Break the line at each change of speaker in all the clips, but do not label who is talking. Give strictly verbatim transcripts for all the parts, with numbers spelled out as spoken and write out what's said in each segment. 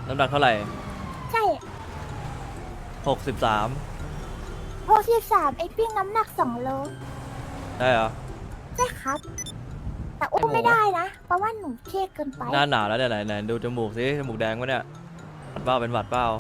น้ำหนักเท่าไหร่
ใช่
หกสิบสาม
หกสิบสามไอปิ้งน้ำหนักสองโล
ได้เหรอ
ใช่ครับ แต่อุ้มไม่ได้นะ เพราะว่าหนูเท่เกินไป
หน้าหนาวแล้วเนี่ยไหนไหนดูจมูกสิจมูกแดงวะเนี่ยหวัดเปล่าเป็นหวัดเปล่า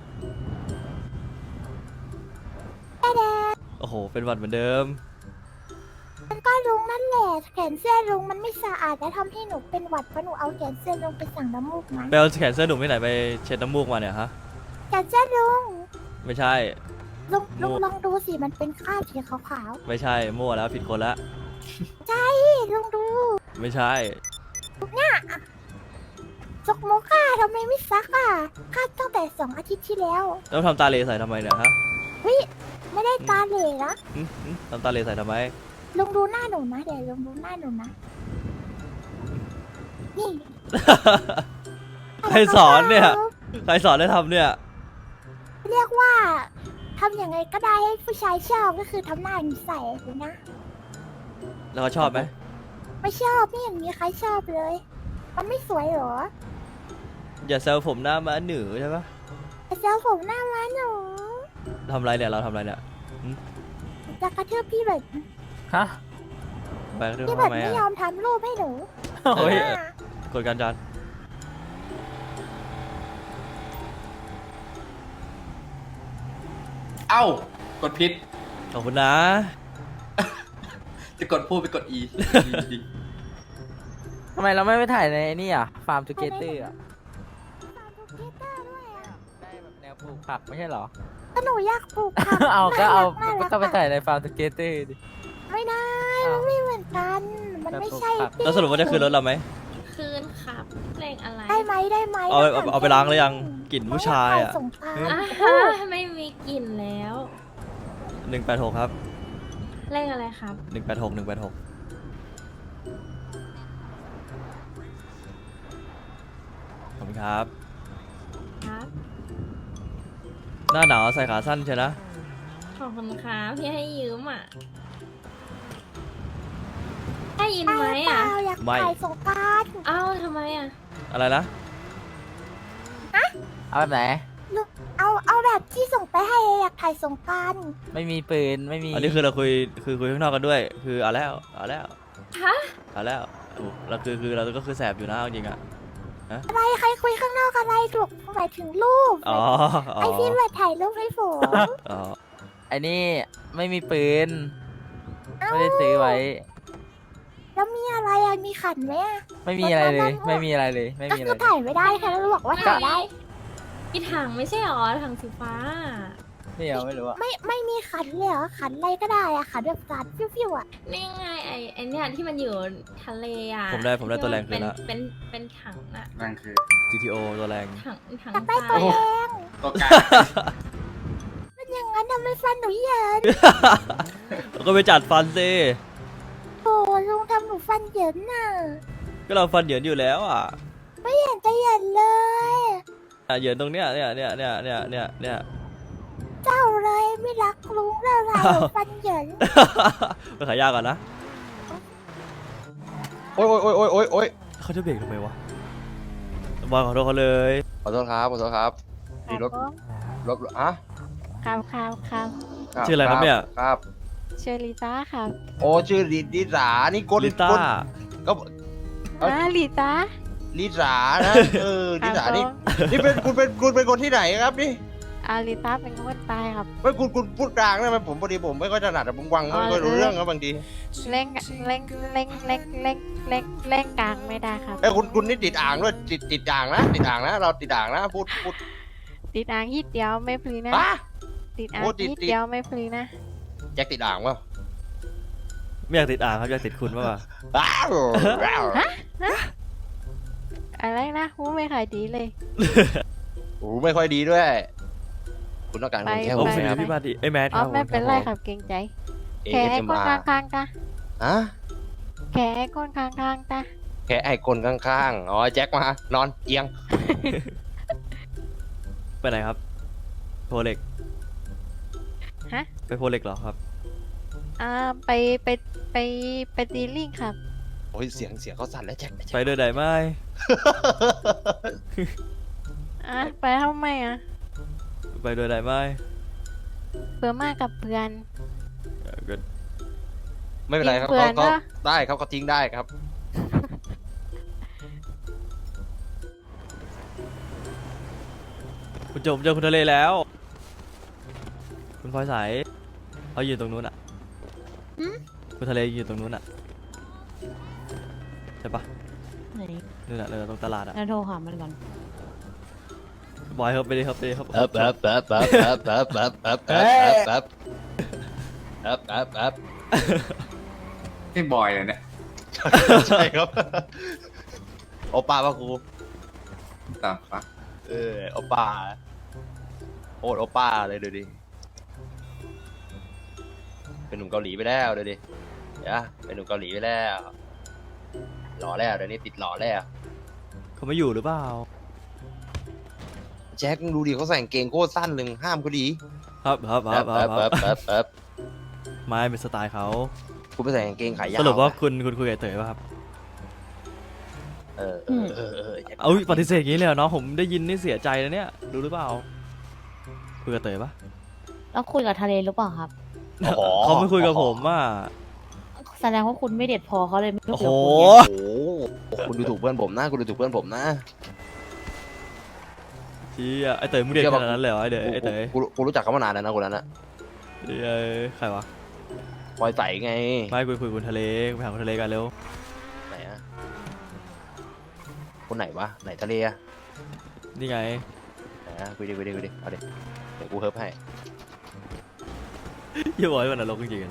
แดง
โอ้โหเป็นหวัดเหมือนเดิม
มันก็ลุงนั่นแหละแขนเสื้อลุงมันไม่สะอาดและทำให้หนูเป็นหวัดเพราะหนูเอาแขนเสื้อลุงไปสั่งน้ำมูกมา
ไปเอาแขนเสื้อหนุ่มที่ไหนไปเช็ดน้ำมูกมาเนี่ยฮะ
แขนเสื้อลุง
ไม่ใช่
ลุงลุงลองดูสิมันเป็นคราบสีขาว
ๆไม่ใช่มั่วแล้วผิดคนละ
ใช่ลุงดู
ไม่ใช่
เนี่ยจกมกค่ะทำไมไม่ซักอ่ะคาดตั้งแต่สองอาทิตย์ที่แล้ว
แล้วทำตาเลใส่ทำไมเนี่ยฮะ
วิไม่ได้ตาเหล่นะ
ทำตาเลใส่ทำไม
ลุงดูหน้าหนูนะเดี๋ยวลุงดูหน้าหนูนะนี่
ใครสอนเนี่ยใครสอนให้ทำเนี่ย
เรียกว่าทำอย่างไรก็ได้ให้ผู้ชายชอบก็คือทำหน้าใส่เลยนะ
แล้วเขาชอบไหม
ไม่ชอบไม่เห็นมีใครชอบเลยมันไม่สวยหรอ
อย่าแซวผมหน้าม้าหนูใช่ปะ
อย่าแซวผมหน้าม้าหนู
ทำไรเนี่ยเราทำไรเนี่ย
จะกระทืบพี่แบบ
ฮะ
ไปกระทืบ
พี่แบบ
ทำไม
ไม่ยอมทำรูปให้หนู
โอ้ยกดการจาน
เอ้ากดพิษ
ขอบคุณนะ
จะกดพูดไปกด E
ทำไมเราไม่ไปถ่ายในนี่อ่ะฟาร์มทูเกเตอร์อ่ะได้แบบแนวปลูกผักไม่ใช่เหรอ
ก็หนูอยากปลูกผัก
เอาก็เอาก็ไปถ่ายในฟาร์มทูเกเตอร์ดิ
ไม่ได้มันไม่เหมือนกันมันไม่ใช่
แล้วสรุปว่าจะคืนรถเราไหม
คืนครับเลขอะไร
ได้ไหมได้ไหม
เอาเอาไปล้างหรือยังกลิ่นผู้ชายอ่ะ
ไม่มีกลิ่นแล้ว
หนึ่งแปดหกครับ
เลขอะไรครับ
หนึ่งแปดหกหนึ่งแปดหกขอบคุณครับ
ครับ
หน้าหนาวใส่ขาสั้นใช่นะ
ขอบคุณครับที่ให้ยืมอ่ะได้ยินไหมอ่ะ
อยากถ่ายสงกรานต์
เอ้าทำไมอ่ะ
อะไรนะ
เอาแบบไหน
เอาเอาแบบที่ส่งไปให้อยากถ่ายสงกรานต์
ไม่มีปืนไม่มี
อันนี้คือเราคุยคือคุยข้างนอกกันด้วยคือเอาแล้วเอาแล้ว
ฮะ
เอาแล้วเราคือคือเราก็คือแสบอยู่นะจริงอ่ะ
อะไรใครคุยข้างนอกอะไรถูกหมายถึงรูปไอพี่แบบถ่ายรูปให้ผม
อ๋อ
ไอ้นี่ไม่มีปืนไม่ได้ซื้อไว้
แล้วมีอะไรอ่ะมีขันไหม
ไม่มีอะไรเลยไม่มีอะไรเลยไม่มีอะไร
ก็ถ่ายไม่ได้ค่ะแล้วบอกว่าถ่ายได้
มีถังไม่ใช่หรอถังสีฟ้า
ไม่เอาไม่รู้อะ
ไม่ไม่มีขันเลยเหรอขันอะไรก็ได้อะขันแบบสัตว์ฟิวๆอะ
นี่ไงไอไอเนี่ยที่มันอยู่ทะเลอะ
ผมได้ผมได้ตัวแรงคืนละ
เป็นเป็นถังอะ
แรงคือ
จี ที โอ ตัวแรง
ถังถัง
ได้ตัวแรง
ตัวกลาง
มันอย่างนั้นทำไมฟันหนูเยิน
ก็ไปจัดฟันสิ
โอ้ลุงทำหนูฟันเหยินน่ะ
ก็เราฟันเหยินอยู่แล้วอ่ะ
ไม่เห็นจะเหยินเลย
อ่ะเหยินตรงเนี้ยเนี่ยเนี่ยเนี่ยเนี่ยเนี่ยเนี่ย
เจ้าเลยไม่รักลุงแล้วเราฟันเหยิน
ไปขายยาก่อนนะ
โอ๊ยโอ๊ยโอ๊ยโอ๊ยโอ๊ย
เขาจะเบรกทำไมวะบอยขอโทษเขาเลย
ขอโทษครับขอโทษครับดีรถรถอะ
ครับครับครับ
ชื่ออะไรครับเนี่ย
ครับ
ชื่อลิต้าครับ
โอ้ชื่อลิลิสานี่กด
ลิต้า
ก็
อ่าลิต้า
ลิสานะเออลิสานี่นี่เป็นคุณเป็นคุณเป็นคนที่ไหนครับนี่
อาลิต้าเป็นคนตายครับ
ไม่คุณคุณพูดกลางได้ไหมผมพอดีผมไม่ค่อยถนัดผมวังไม่ค่อยรู้เรื่องครับบางที
เล่งเล่งเล่งเล่งเล่งเล่งเล่งกลางไม่ได้ครับ
ไอ้คุณคุณนี่ติดอ่างด้วยติดติดอ่างนะติดอ่างนะเราติดอ่างนะพูดพูด
ติดอ่างฮิตเดียวไม่พลีนะติดอ่างฮิตเดียวไม่พลีนะ
แจ็คติดอ่างวะ
ไม่อยากติดอ่างครับอยากติดคุณป่ะ
ฮะอะไรนะหูไม่ค่อยดีเลย
หูไม่ค่อยดีด้วยคุณต้องการคนแค่
โอ้ยพี่มาดิไอ้แมท
ครับไม่เป็นไรครับเกรงใจแค่ไอ้คนข้างๆตา
ฮะ
แค่ไอ้คนข้างๆตา
แค่ไอ้คนข้างๆอ๋อแจ็คมานอนเอียง
ไปไหนครับโพเล็ก
ฮะ
ไปโพเล็กเหรอครับ
อ่าไปไปไปไปตีลิงครับ
โอ้ยเสียงเสียงเขาสั่นแล้วแจ็ค
ไปด้วยได้ไหม
อ
อ่ะไปทำไมอ่ะ
ไปโดยไหนไม่
เพื่อมากับเพื่อน
เออก็
ไม่เป็นไรครับ
เพื่อ
เขา
น
ก็
นะ
ได้ครับเขาทิ้งได้ครับ
คุณโจมเจอคุณทะเลแล้ว คุณพลอยใสเขาอยู่ตรงนู้นอ่ะคุณทะเลอยู่ตรงนู้นอ่ะใช่ปะ
ไหน
นู่นอ่ะเลยตรงตลาดอ่ะ
แล้วโทรหามันก่อน
บอยครับไปดิครับไปดิครับ
เอ๊บเอ๊บเอ๊บเอ๊บเอ๊บเอ๊บเอ๊บเอ๊บเอ๊บเอ๊บเอ๊บเอ๊บเอ๊บเอ๊บ
นี่บอยเลยเนี่ย
ใช่ครับโอป้าป่ะครู
ตามปะ
เออโอป้าโอดโอป้าเลยดูดิเป็นหนุ่มเกาหลีไปแล้วดูดิเดี๋ยวเป็นหนุ่มเกาหลีไปแล้วหล่อแล้วเดี๋ยวนี้ติดหล่อแล้ว
เขาไม่อยู่หรือเปล่า
แจ็คมึงดูดิเขาใส่กางเกงโคตรสั้นเลยห้ามเขาดี
ครับครับครับค
เอ๊
รั
บบ เอ๊บ
ค
เอ๊
รับบ
เอ๊บ
ไม่เป็นสไตล์เขา
กูไปใส่กางเกงขายาว
สรุปว่าคุณคุณคุยกับเต๋อป่ะครับ
เออเออเออเออแจ็ค
เอ้ยปฏิเสธอย่างนี้เลยเหรอน้องผมได้ยินนี่เสียใจนะเนี่ยรู้หรือเปล่าคุยกับเต๋อป่ะ
แล้วคุยกับทะเลหรือเปล่าครับ
อ๋อ
เขาไม่คุยกับผมอ่ะ
แสดงว่าคุณไม่เด็ดพอเขาเลยไม่
โอ้
คุ
โห
ยกับคุณไง
โอ้โหคุณดูถูกเพื่อนผมนะคุณดูถูกเพื่อนผมนะ
เชี่ยไอเต๋อมึงเด็กขนาดนั้นเลยเหรอไอเด๋อไอเต๋อ
กูกูกูรู้จักเขามานานแล้วนะคนนั้นนะ
เดี๋ยวใครวะ
พลอยใสไง
ไม่คุยคุยคุณทะเลไปหาคุณทะเลกันเร็ว
ไหนอะคนไหนวะไหนทะเลอะ
นี่ไง
ไหนอะคุยดิคุยดิคุยดิเอาดิเดี๋ยวกูเฮิร์ฟให้
อย่าบอกให้มันนรกจริง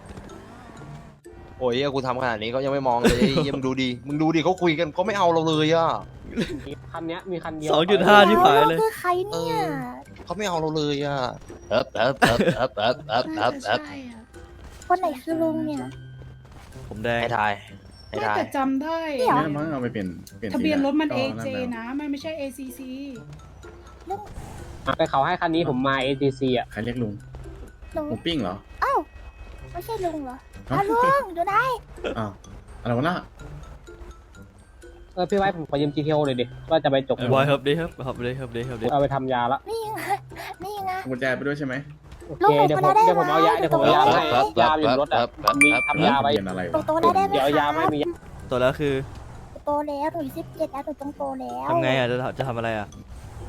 โอ้ยเหี้ยกูทำขนาดนี้เขายังไม่มองเลยเหี้ยมึงดูดิมึงดูดิเขาคุยกันเขาไม่เอาเราเลยอะ
คันเนี้ยมีคันเดียว
สองจุดห้าที่ผายเลย
แวคือใครเนี่ย
เขาไม่เอาเราเลยอะเอ๊บเอ๊บเอ๊บเอ๊บเอ๊บเอ๊บเอ๊บเอ๊บ
คนไหนคือลุงเนี่ย
ผมแดง
ให้ทายให้
ไม่
ทาย
แต่จำได้
เดี๋ยว
ไม่มั้งเอาไปเปลี่ยนเปลี่ยน
ทะเบียนรถมัน
ก็
เอ
นั่
เจ
แล้ว
นะไม่ไม่ใช่ เอ ซี ซี
แต่เขาให้คันนี้ผมมา เอ ที ซี อ่ะ
ใครเรียกลุง
ลุง
หมูปิ้งเหรอ
เอ้าไม่ใช่ลุงเหรอ
ฮะ
อ้าวลุงดูได้
อ้าวอะไรวะน่ะ
เออพี่ไว้ผมขอยืม จี ที โอ เลยดิว่าจะไปจก
บอยเฮิร์บดีครับเฮิร์บดีเฮิร์บดีเฮิร์บดี
เอาไปทำยาละ
นี่ไงนี่ไง
กุญแจไปด้วยใช่ไหม
โอเคเดี๋ยวผมเดี๋ยวผมเอายาเดี๋ยวผมเอายาให้ยาอยู่รถอ่ะมีทำยาไว้
เปลี่ยนอะไร
ตร
วะ
งโตได้ได้ไหม
เดี๋ยวเอายา
คะ
ไม่มียา
ตัวแล้วคือ
โตแล้วหนูสิบเจ็ดแล้วหนูต้องโตแล้ว
ทำไงอ่ะจะจะทำอะไรอ่ะ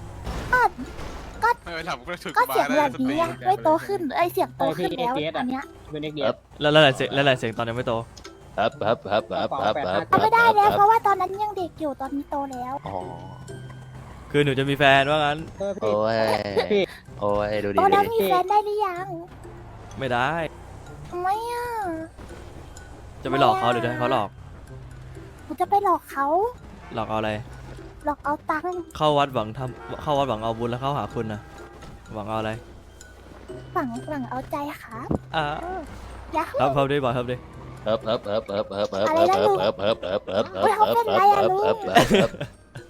ก็เสียงแบบนี้อะไม่โตขึ้นไอยเสียงโตขึ้นแล้วอันเนี้ย
เป็นเด็กเดีย
แล้วแล้วไหนเสียงแล้วไหนเสียงตอนยังไม่โต
เอ๊บเอ๊บเอ๊บเอ๊บเอ๊บเอ๊บ
ก็ไม่ได้แล้วเพราะว่าตอนนั้นยังเด็กอยู่ตอนนี้โตแล้ว
อ๋อ
คือหนูจะมีแฟนว่างั้น
เออ
โอ้
พี่
ยโอ้ยดูดิ
โต
ดู
แล้ว
ดิ
มีแฟนได้หรือยัง
ไม่ได้
ทำไมอ่ะ
จะไปหลอกเขาหรือจะให้เขาหลอก
หนูจะไปหลอกเขา
หลอกเอาอะไร
หลอกเอาตังค์
เข้าวัดหวังทำเข้าวัดหวังเอาบุญแล้วเข้าหาคุณนะหวังเอาอะไร
ฝังฝังเอาใจครับ
อ่า
ยา
ครับครับดีบอยครับดี
เอ๊บเอ๊บเอ๊บเอ๊บเอ๊บเอ๊บเอ๊บเอ๊บเอ๊บเอ๊บเอ๊บเอ๊บเอ๊บเอ๊บเอ๊บเอ๊บเอ๊บเอ๊บ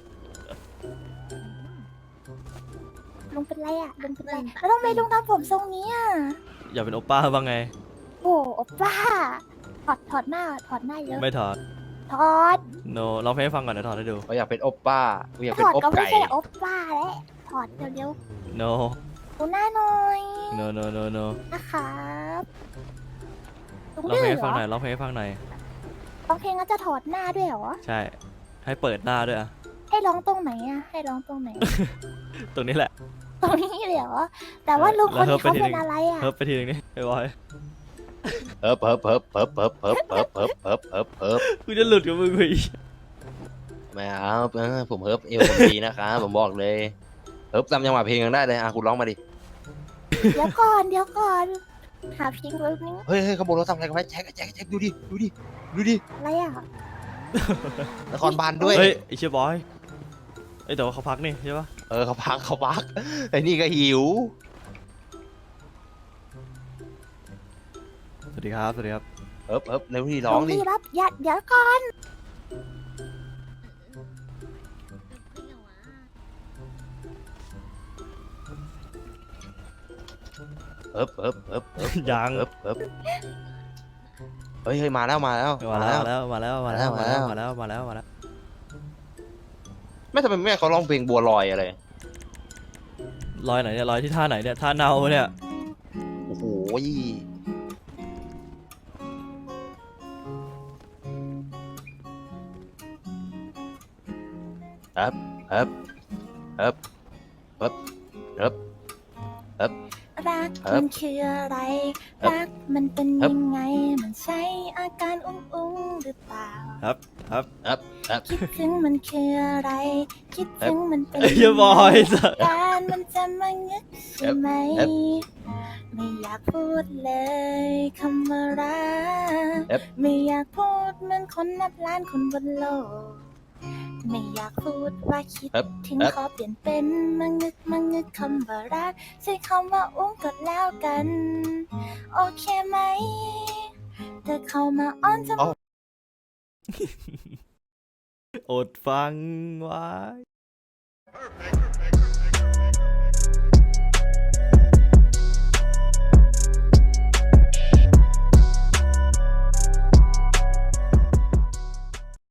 ลุงเป็นไรอ่ะลุงเป็นไรแล้วทำไมลุงทำผมทรงนี้อ่ะ
อย่าเป็นโอป้าบ้างไง
โอ้โอป้าถอดถอดหน้าถอดหน้าเยอะ
ไม่ถอด
ถอด
โนร้องเพลงให้ฟังก่อนเดี๋ยวถอดให้ดู
เขาอยากเป็นโอป้ากูอยาก
ถ
เป็น
อด
โอ
ก็ไม่
ไก่
ใช่โอป้าแล้วถอดเร็ว
โน
ๆดูหน้าหน่อย
โนโนโนโน
นะครับลุง
ร้อง
ดื้
เพล
อง
ให้
เหร
ฟัง
อ
หน่อยร้องเพลงให้ฟังหน่อย
ร้องเพลงก็จะถอดหน้าด้วยเหรอ
ใช่ ให้เปิดหน้าด้วยอ่ะ
ให้ร้องตรงไหนอ่ะให้ร้องตรงไหน
ตรงนี้แหละ
ตรงนี้เลยเหรอแต่ว่าลุงคนนี้เขาเป็นอะไรอ่ะ
เฮิร์บไปทีนึงนี่ไอ้บอย
เอ๊บเอ๊บเอ๊บเอ๊บเอ๊บเอ๊บเอ๊บเอ๊บเอ๊บเอ๊บเอ๊บ
กูจะหลุดกับมึงไปอีก
ไม่เอาเออผมเฮิร์ฟเอวผมดีนะครับผมบอกเลยเฮิร์ฟจำจังหวะเพลงยังได้เลยอ่ะคุณร้องมาดิ
เดี๋ยวก่อนเดี๋ยวก่อนหาเพลงแบบนี้
เฮ้ยเฮ้ยขบวนรถทำอะไรกันไว้แจ็คแจ็คแจ็คดูดิดูดิดูดิ
อะไรอ่ะ
นครบาลด้วย
เฮ้ยไอ้เชี่ยบอยไอ้ยแต่ว่าเขาพักนี่ใช่ปะ
เออเขาพักเขาพักไอ้นี่ก็หิว
สวัสดีครับสวัสดีครับ
เอิบเอิบเร็วที่ร้องดิ
ลุรับอย่าเดี๋ยวก่อน
เอิบเอิบเอิบเอิบ
ยัง
เอิบเอิบเฮ้ยเฮ้ยมาแล้วมาแล้ว
มาแล้วมาแล้วมาแล้วมาแล้วมาแล้วมาแล้วมาแล้วมาแล้ว
ไม่ทำไมแม่เขาร้องเพลงบัวลอยอะไร
รอยไหนเนี่ยรอยที่ท่าไหนเนี่ยท่าเนาเนี่ย
โอ้โหครับครับครับครับครับครับ
รัก
ครับ
มันคืออะไร
ครับ
รักมันเป็น
ครับ
ยังไง มันใช่อาการอุ้งอุ้งๆหรือเปล่า
ครับครับ
ครับครับ
คิดถึงมันคืออะไร คิดถึงมันเป็น
เอ้ยอย่าบอกไอ้สัส
การมันจะมางึกใช่ไหม
ครับ
ไม่อยากพูดเลยคำว่ารัก
ครับ
ไม่อยากพูดเหมือนคนนับล้านคนบนโลก ไม่อยากพูดว่าคิด
ครับ
ถึง
ครับ
ขอเปลี่ยนเป็นมางึกมางึกคำว่ารักใช้คำว่าอุ้งก็แล้วกัน โอเคไหมเธอเข้ามาอ้อนจะ
อ๋อ
อดฟังไว้
Perfect.